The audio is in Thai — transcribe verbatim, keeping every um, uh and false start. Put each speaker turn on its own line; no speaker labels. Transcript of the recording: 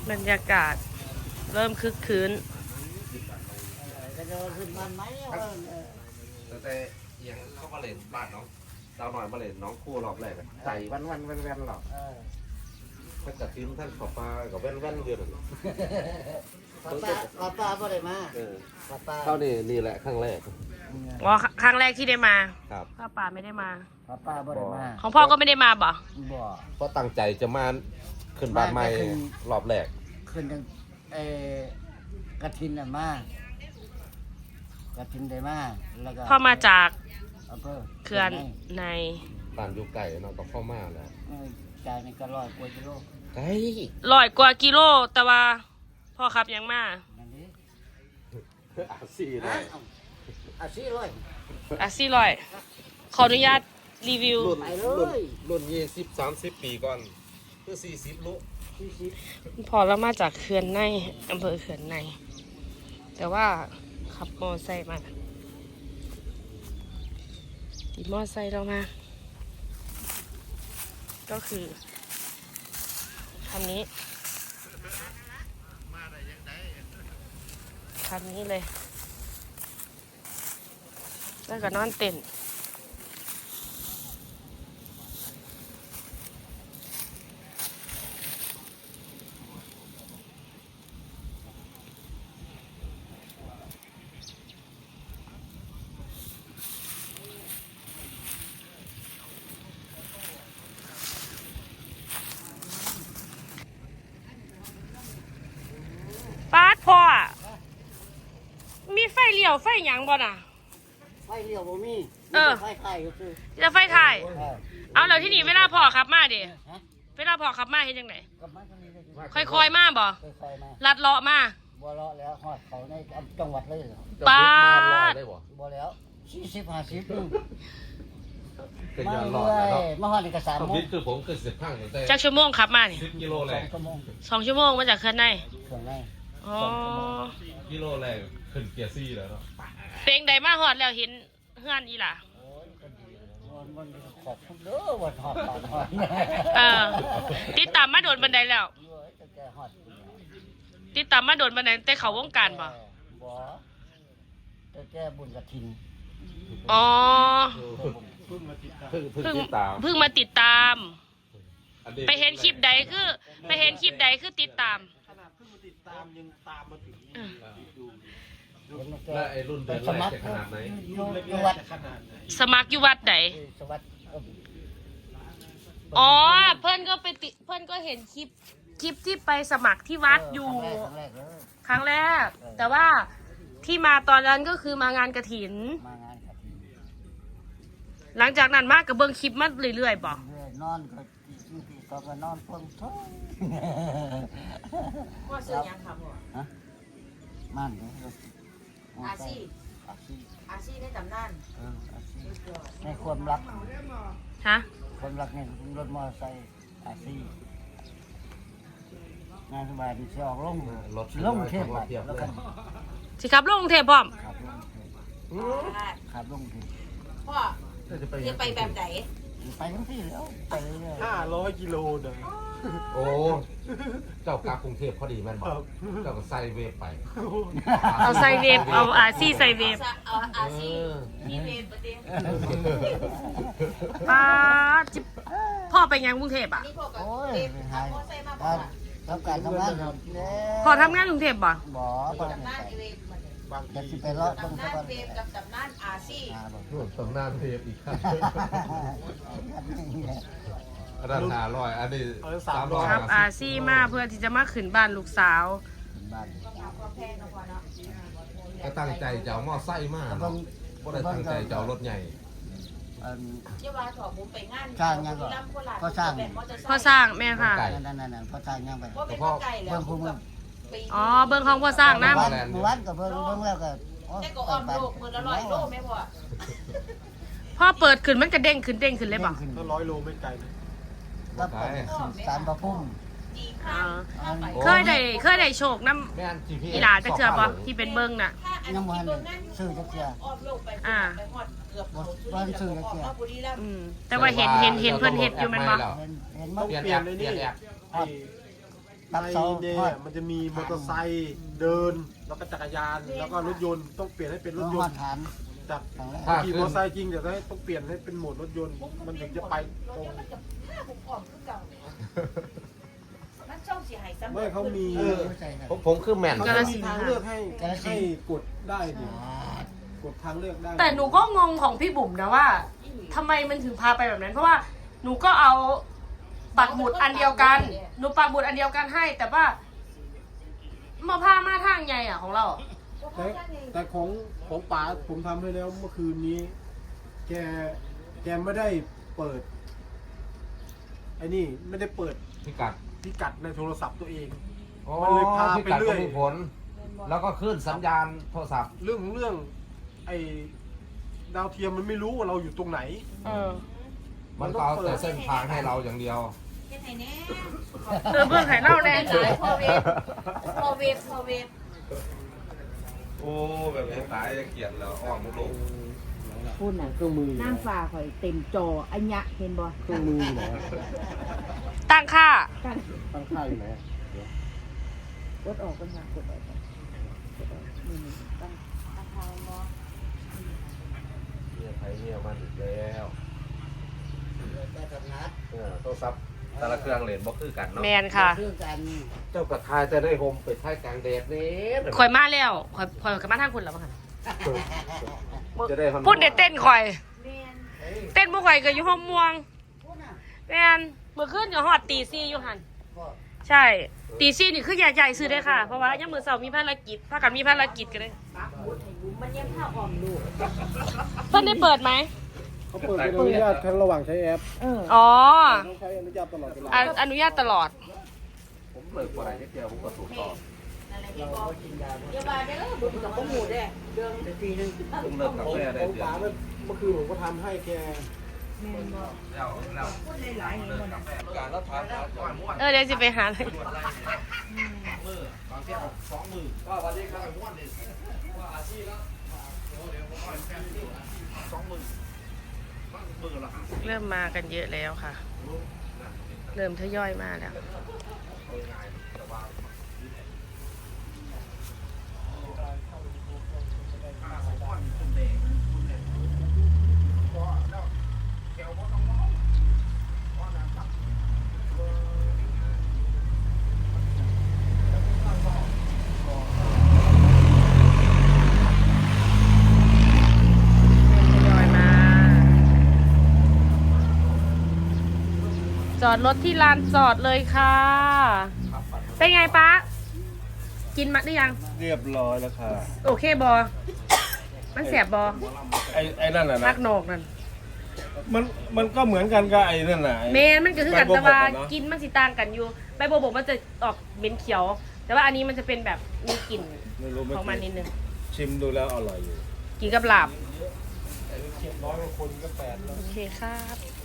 บรรยากาศเริ่มคึกคืน
แต่ยังเข้ามาเล่นบ้านน้องดาวหน่อยมาเล่นน้องคู่รอบแรกใจวันวันวันวันหรอกถ้าจัดทีมท่านขอปลากับแว่นแว่นเรือหนึ่ง
ปลาปลาปลาบ่ได้มาปลาปลา
เข้านี่นี่แหละครั้งแรก
อ๋อครั้งแรกที่ได้มา
ครับ
พ่อป่าไม่ได้มา
ปลาปลาบ่ได้มา
ของพ่อก็ไม่ได้มาบ่
บ่
เพราะตั้งใจจะมาขึ้นบ้านใหม่รอบแรก
ขึ้นเอ่อกระถินน่ะมากระถินได้มาแล้วก็
พ่อมาจาก
อำเภอ
เขื่อนใน
บ้านอยู่ไก่เนาะก็เข้ามาแล้ว
จ่ายในก็ร้อยกว่ากิโล
ไก่
ร้อยกว่ากิโลแต่ว่าพ่อขับยังมา
อาซี่เลย
อาซี่ร้อย
อาซี่ร้อยขออนุญาตรีวิว
รุ่นรุ่นรุ่นยี่สิบสามสิบปีก่อนคือสี่สิบลุ
พอเรามาจากเขื่อนในอำเภอเขื่อนในแต่ว่าขับมอไซค์มาติดมอไซค์เรามาก็คือคันนี้คันนี้เลยแล้วก็นอนเต็นป้าดพ่อมีไฟเลี้ยวไฟหยังบ่น่ะ
ไฟเลี้ยวบ่มีไฟไข่ก็คือ
จะไฟถ่ายเอาแล้วที่นี่เวลาพ่อขับมาดิเวลาพ่อขับมาเฮ็ดจังได๋ค่อยๆมาบ่ลัดเลาะมา
บ่เลาะแล้วฮอดเขาในจังหวัดเลย
ป้าด
บ่แล้วสี่สิบ ห้าสิบนึง
เป็นยอด
รอดแล้วมาฮอดนี่ก็สามโมง
คือผมคือสิบพังตั้งแต่
จักชั่วโมงขับมานี่
สิบกิโลแรก
สองชั่วโมงมาจากเขื่อนใน
เขื่อนใน
อ๋อ
กิโลแรกขึ้นเกียร์ซี่แล้วเนาะ
เพลงใดมาฮอดแล้วเห็นเฮือนอีหล่ะ
โอ้ยก็ดีมันขอบคุณเด้อว่าฮอดบ้านฮอด
เออติดตามมาโดนบันไดแล้วติดตามมาโดนบันไดแต่เขาวงการบ่
บ่แต่แกบุญกฐิน
อ๋อ
เพิ่งมาติดตามเพิ่งมาติดตาม
เพิ่งมาติดตามไปเห็นคลิปใดคือไปเห็นคลิปใดคือติดตาม
ขนาดเพิ่งมาติดตามยังตามมาถึงดู
แล้วไอ้รุ่นเดินแรกจะขนาดไหน
อยู่วัดขนาดไหน
สมัครอยู่วัดไหน
สวัสด
อ๋อเพื่อนก็ไปติเพื่อนก็เห็นคลิปคลิปที่ไปสมัครที่วัดอยู่ครั้งแรกแต่ว่าที่มาตอนนั้นก็คือมางานกฐินหลังจากนั้นมากกับเบิ้งคลิปมาเรื่อยๆบอก
นอนก็ก็ก็นอนเพิ่งท้อง
ว่าซื้อยังครับพ่อฮะ
มัน
อาชีอาชีอาชีในตำนาน
ในความรัก
ฮะ
ความรักในรถมอเตอร์ไซค์อาชีงานสบายดีเชียวลง
รถ
ลงเทพแล้วกัน
สิครับลงเทพพร้อม
ขับลงเทพ
พ่อจะไปแบบไหน
ไปทั้งที่แล้วไปเรื่อย
ห้าร้อยกิโลเด้อ
โอ้เจ้ากากรุงเทพพอดีแม่นบอกเจ้าก็ใส่เวฟไป
เอาใส่เวฟเอาอาซีใส่เวฟ
เอาอาซีมีเวฟประเดี๋ยว
ป้าจิพ่อไปยังกรุงเทพอ่ะ
โอ้ยหายทำการทำงาน
พ่อทำงานกรุงเทพบ่
บ่พ่อทำงานบางจะไปเลาะตรง
ตำนานเวฟกับตำนานอาซี
ตำนานเวฟอีกครับอันนั้นห้าร้อยอันนี้สามร้อย
ครับอาซีมาเพื่อที่จะมาขึ้นบ้านลูกสาว
ก็ตั้งใจจะเอาหม้อไส้มากก็ได้ตั้งใจจะเอารถใหญ่
เจ้าว่าถอดผมไปงาน
สร้างยังก็ก็สร้าง
พ่อสร้างแม่ค่ะ
นั่นนั่นนั่นพ่อสร้างยังไป
เพราะ
เบิ่งภูมิ
อ๋อเบิ้งของพ่อสร้างนะ
เมื่อวานก็เบิ่งเบิ่งแล้วก็
แต่ก็ออมโลกมือละร้อยโลไหมพ่อ
พ่อเปิดขึ้นมันกระเด้งขึ้นเด้งขึ้นเลยป่ะ
ก็ร้อยโลไม่ไกลนะ
ก็สารประพุ่ม
เคยได้เคยได้โชคน้ำอีหลาจะเชื่อป่ะที่เป็นเบิ้งน่ะ
ยังวันซื้อจะเชื่อ
อ่า
วันซื้อจะเชื่อ
แต่ว่าเห็นเห็นเห็นเพิ่นเห็ดอยู่มันป่ะ
เห็นมัน
เปลี่ยนเลยนี่
ตัด
ใน
เสา
เด
ทอด
ย์มันจะมีมอเตอร์ไซค์เดิน แล้วก็จักรยาน แล้วก็รถยนต์ต้องเปลี่ยนให้เป็นรถย
มาน
ต์
ฐาน
จาก
ครั้งแรก
ขี่มอเตอร์ไซค์จริงแต่ต้องเปลี่ยนให้เป็นโหมดรถยนต์ มันถึงจะไปตรง
มันกับผ้าผมอ่อมคือเก่ามันช่องเสียหายซ้ำ
ไม่เขามี
เออใช่ครับ
ผมผมคือแม่น
เขา
กาฬ
จะ
สิ
มี
นธุ์
ทางเลือกให้
กาฬสินธุ์
ให้กดได้ดิกดทางเลือกได้
แต่หนูก็งงของพี่บุ๋มนะว่าทำไมมันถึงพาไปแบบนั้น เพราะว่าหนูก็เอาปักหมุดอันเดียวกัน หนูปักหมุดอันเดียวกันให้ แต่ว่ามาพามาทางไงอ่ะของเรา
แต่แต่ของของป๋าผมทำให้แล้วเมื่อคืนนี้ แกแกไม่ได้เปิดไอ้นี่ไม่ได้เปิด
พิกัด
พิกัดในโทรศัพท์ตัวเอง
อ๋อ
มันเลยพา
พิ
ไป
กัด
เรื่
ก็
อย
มีผล แล้วก็ขึ้นสัญญาณโทรศัพท์
เรื่องของเรื่อง ไอ้ดาวเทียมมันไม่รู้ว่าเราอยู่ตรงไหน
เออ
มันก็เอาแต่เส้นทางให้เราอย่างเดียว
เฮ็ดให้แน่
เออเพื่อนไข่เน่าแน่
หลายพอเวฟพอเวฟพอเวฟ
โอ้แบบนี้ตายจะเกลียดแล้วอ้อมมุกลง
พูดน่ะ
เครื่องมือ
น้ำฟ้าข่อยเต็มจออันยะเห็นบ่
เครื่องมืออยู่ไหน
ตั้งค่า
กัน
ตั้งค่าอยู่ไหน
กดออกกันค่ะกดออกกันกดออกนี่นี่ตั้งตั้งทางบ่
เนี่ยไทยเนี่ยมันอีกแล้ว
แต่กับนัด
เออโทรศัพท์แต่ละเครื่องเลนบ่คือกันเนาะ
แมนค่ะ
เรื่องกัน
เจ้ากระทายจะได้โฮมไปท้ายกลางแดดเด้อ
ข่อยมาแล้วข่อยข่อยกับมาทางคุณแล้วมั้งค่ะ
จะได้ฮอน
พูดเด็ดเต้นข่อย
แม่น
เต้นบ่ข่อยก็อยู่ห้องม่วงแมนเมื่อคืนอยู่ฮอดตีซี่อยู่หันใช่ ตีซี่นี่คือใหญ่ๆซื้อได้อค่ะ เพราะว่ายามมื้อเช้ามีภารกิจพากันมีภารกิจกันเลย
มันยังผ้าอ่อมลูก
เพิ่นได้เปิดไหม
เขาเปิดเป็นอนุญาตแค่ระหว่างใช้แอป
เออ
อ๋อ
ต้องใช้อนุญาตตลอดเวลา
ออนุญาตตลอด
ผมเลิกบ่ได้เดียวผมก็สูบต่อ
อะไรเฮ็ดบ่อย่าว่าเด้อบุญกับบ่หมู่เด้อเรื่อง
ปีนึง
ผมเลิกกา
ของ
แฟได้
ของ
เดือน
ป๋าเมื่อเมื่อคืนผมก็ทำให้แก
แล้วแล้ว
พูดหลายๆเห็นบ่น่ะ
การแล้วทานก่อนม้วน
เออเดี๋ยวสิไปหาเลย
มือบางทีเอาสองมือก็วันนี้ก็ม้วนนี่ว่าอาชีพแล้วเดี๋ยวผมเอาแฟนที่สองมือมือละ
เริ่มมากันเยอะแล้วค่ะ เริ่มทยอยมาแล้ว ทยอยมา จอดรถที่ลานจอดเลยค่ะ เป็นไงป๊ากินมาหรือยัง
เรียบร้อยแล้วค่ะ
โอเคบอ มันแสบบอ
ไอ้ไอ้นั่นน่ะ
มั
นะ
กโหนกนั่น
มันมันก็เหมือนกันกับไอ้นั่นน่ะไอ้
เมนมันก็คือกัน
ใบบั
แต่
วบ
ว่าก
อะเนอะ
กินมันสิต่างกันอยู่ใบบัวบกมันจะออกเหม็นเขียว แต่ว่าอันนี้มันจะเป็นแบบมีกลิ่น
ไม่รู้ไม่
ของมันนิดนึง
ชิมดูแล้วอร่อยอยู่
กินกับลาบ
เจ็ดร้อยกว่าคนก็แปดแล้ว
โอเคครับ